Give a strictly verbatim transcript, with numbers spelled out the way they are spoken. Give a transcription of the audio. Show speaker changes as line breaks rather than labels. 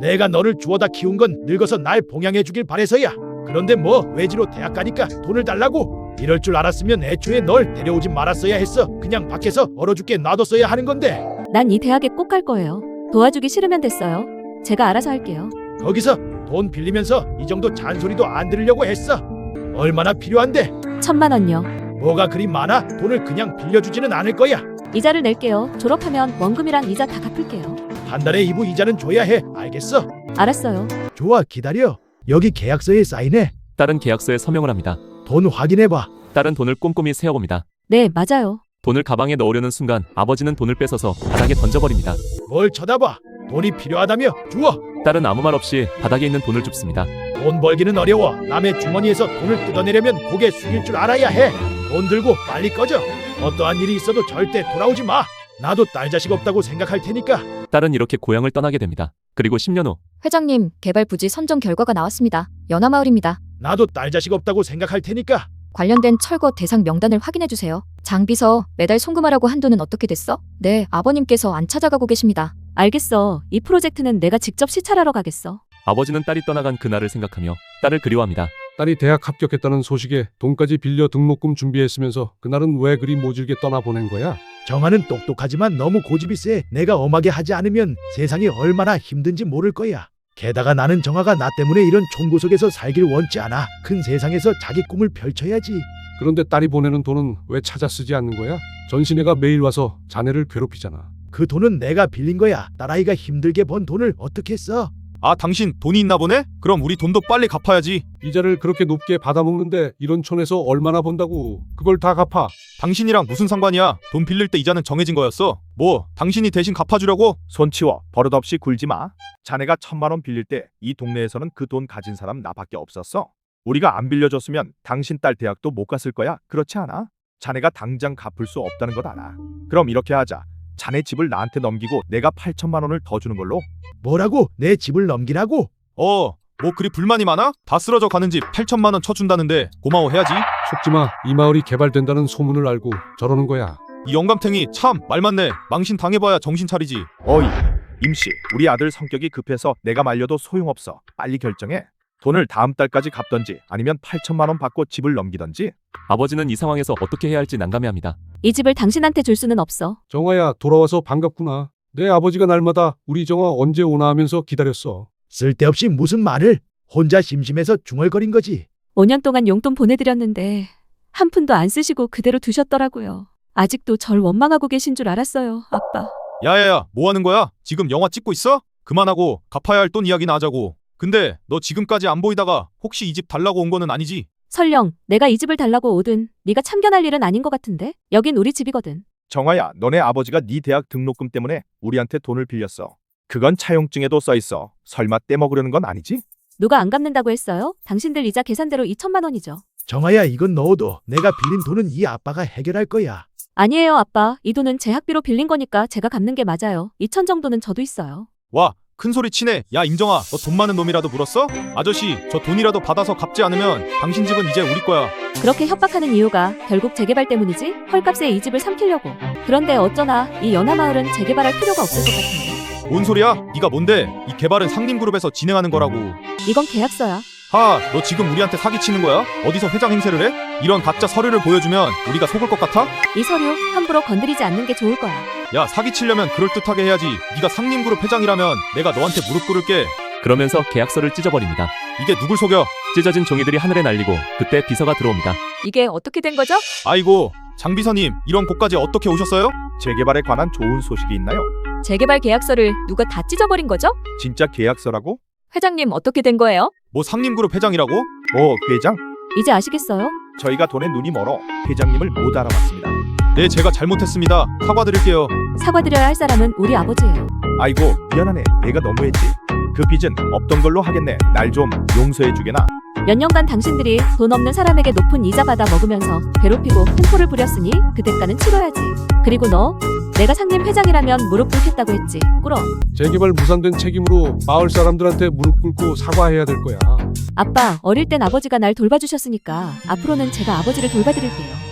내가 너를 주워다 키운 건 늙어서 날 봉양해 주길 바래서야. 그런데 뭐 외지로 대학 가니까 돈을 달라고? 이럴 줄 알았으면 애초에 널 데려오지 말았어야 했어. 그냥 밖에서 얼어 죽게 놔뒀어야 하는 건데.
난 이 대학에 꼭 갈 거예요. 도와주기 싫으면 됐어요. 제가 알아서 할게요.
거기서 돈 빌리면서 이 정도 잔소리도 안 들으려고 했어. 얼마나 필요한데?
천만 원요.
뭐가 그리 많아? 돈을 그냥 빌려주지는 않을 거야.
이자를 낼게요. 졸업하면 원금이랑 이자 다 갚을게요.
한 달에 이부 이자는 줘야 해. 알겠어?
알았어요.
좋아, 기다려. 여기 계약서에 사인해.
딸은 계약서에 서명을 합니다.
돈 확인해봐.
딸은 돈을 꼼꼼히 세어봅니다.
네, 맞아요.
돈을 가방에 넣으려는 순간 아버지는 돈을 뺏어서 바닥에 던져버립니다.
뭘 쳐다봐. 돈이 필요하다며 주워.
딸은 아무 말 없이 바닥에 있는 돈을 줍습니다.
돈 벌기는 어려워. 남의 주머니에서 돈을 뜯어내려면 고개 숙일 줄 알아야 해. 돈 들고 빨리 꺼져. 어떠한 일이 있어도 절대 돌아오지 마. 나도 딸 자식 없다고 생각할 테니까.
딸은 이렇게 고향을 떠나게 됩니다. 그리고 십 년 후
회장님, 개발 부지 선정 결과가 나왔습니다. 연화마을입니다.
나도 딸 자식 없다고 생각할 테니까.
관련된 철거 대상 명단을 확인해 주세요. 장비서 매달 송금하라고 한 돈은 어떻게 됐어? 네, 아버님께서 안 찾아가고 계십니다.
알겠어. 이 프로젝트는 내가 직접 시찰하러 가겠어.
아버지는 딸이 떠나간 그날을 생각하며 딸을 그리워합니다.
딸이 대학 합격했다는 소식에 돈까지 빌려 등록금 준비했으면서 그날은 왜 그리 모질게 떠나보낸 거야?
정아는 똑똑하지만 너무 고집이 세. 내가 엄하게 하지 않으면 세상이 얼마나 힘든지 모를 거야. 게다가 나는 정아가 나 때문에 이런 총구석에서 살길 원치 않아. 큰 세상에서 자기 꿈을 펼쳐야지.
그런데 딸이 보내는 돈은 왜 찾아 쓰지 않는 거야? 전신애가 매일 와서 자네를 괴롭히잖아.
그 돈은 내가 빌린 거야. 딸아이가 힘들게 번 돈을 어떻게 써?
아, 당신 돈이 있나 보네? 그럼 우리 돈도 빨리 갚아야지.
이자를 그렇게 높게 받아먹는데 이런 촌에서 얼마나 번다고. 그걸 다 갚아.
당신이랑 무슨 상관이야? 돈 빌릴 때 이자는 정해진 거였어. 뭐 당신이 대신 갚아주려고?
손 치워. 버릇없이 굴지 마. 자네가 천만 원 빌릴 때 이 동네에서는 그 돈 가진 사람 나밖에 없었어. 우리가 안 빌려줬으면 당신 딸 대학도 못 갔을 거야. 그렇지 않아? 자네가 당장 갚을 수 없다는 것 알아. 그럼 이렇게 하자. 자네 집을 나한테 넘기고 내가 팔천만 원을 더 주는 걸로.
뭐라고? 내 집을 넘기라고?
어, 뭐 그리 불만이 많아? 다 쓰러져 가는 집 팔천만 원 쳐준다는데 고마워해야지.
속지마. 이 마을이 개발된다는 소문을 알고 저러는 거야.
이 영감탱이 참 말 많네. 망신 당해봐야 정신 차리지.
어이, 임씨. 우리 아들 성격이 급해서 내가 말려도 소용없어. 빨리 결정해. 돈을 다음 달까지 갚던지 아니면 팔천만 원 받고 집을 넘기던지.
아버지는 이 상황에서 어떻게 해야 할지 난감해합니다.
이 집을 당신한테 줄 수는 없어.
정아야, 돌아와서 반갑구나. 내 아버지가 날마다 우리 정아 언제 오나 하면서 기다렸어.
쓸데없이 무슨 말을. 혼자 심심해서 중얼거린 거지.
오 년 동안 용돈 보내드렸는데 한 푼도 안 쓰시고 그대로 두셨더라고요. 아직도 절 원망하고 계신 줄 알았어요, 아빠.
야야야, 뭐 하는 거야? 지금 영화 찍고 있어? 그만하고 갚아야 할 돈 이야기나 하자고. 근데 너 지금까지 안 보이다가 혹시 이 집 달라고 온 거는 아니지?
설령 내가 이 집을 달라고 오든 네가 참견할 일은 아닌 것 같은데? 여긴 우리 집이거든.
정아야, 너네 아버지가 네 대학 등록금 때문에 우리한테 돈을 빌렸어. 그건 차용증에도 써있어. 설마 떼먹으려는 건 아니지?
누가 안 갚는다고 했어요? 당신들 이자 계산대로 이천만 원이죠.
정아야, 이건 넣어도 내가 빌린 돈은 이 아빠가 해결할 거야.
아니에요, 아빠. 이 돈은 제 학비로 빌린 거니까 제가 갚는 게 맞아요. 이천 정도는 저도 있어요.
와, 큰 소리 치네. 야, 임정아, 너 돈 많은 놈이라도 물었어? 아저씨, 저 돈이라도 받아서 갚지 않으면 당신 집은 이제 우리 거야.
그렇게 협박하는 이유가 결국 재개발 때문이지? 헐값에 이 집을 삼키려고. 그런데 어쩌나 이 연화마을은 재개발할 필요가 없을 것 같은데.
뭔 소리야? 네가 뭔데? 이 개발은 상림그룹에서 진행하는 거라고.
이건 계약서야.
하, 너 지금 우리한테 사기치는 거야? 어디서 회장 행세를 해? 이런 가짜 서류를 보여주면 우리가 속을 것 같아?
이 서류 함부로 건드리지 않는 게 좋을 거야.
야, 사기치려면 그럴듯하게 해야지. 네가 상림그룹 회장이라면 내가 너한테 무릎 꿇을게.
그러면서 계약서를 찢어버립니다.
이게 누굴 속여?
찢어진 종이들이 하늘에 날리고 그때 비서가 들어옵니다.
이게 어떻게 된 거죠?
아이고, 장비서님, 이런 곳까지 어떻게 오셨어요?
재개발에 관한 좋은 소식이 있나요?
재개발 계약서를 누가 다 찢어버린 거죠?
진짜 계약서라고?
회장님, 어떻게 된 거예요?
뭐 상림그룹 회장이라고?
어, 회장?
이제 아시겠어요?
저희가 돈에 눈이 멀어 회장님을 못 알아봤습니다.
네, 제가 잘못했습니다. 사과드릴게요.
사과드려야 할 사람은 우리 아버지예요.
아이고, 미안하네. 내가 너무했지. 그 빚은 없던 걸로 하겠네. 날 좀 용서해주게나.
몇 년간 당신들이 돈 없는 사람에게 높은 이자 받아 먹으면서 괴롭히고 횡포를 부렸으니 그 대가는 치러야지. 그리고 너, 내가 상림 회장이라면 무릎 꿇겠다고 했지. 꿇어.
재개발 무산된 책임으로 마을 사람들한테 무릎 꿇고 사과해야 될 거야.
아빠, 어릴 땐 아버지가 날 돌봐주셨으니까 앞으로는 제가 아버지를 돌봐드릴게요.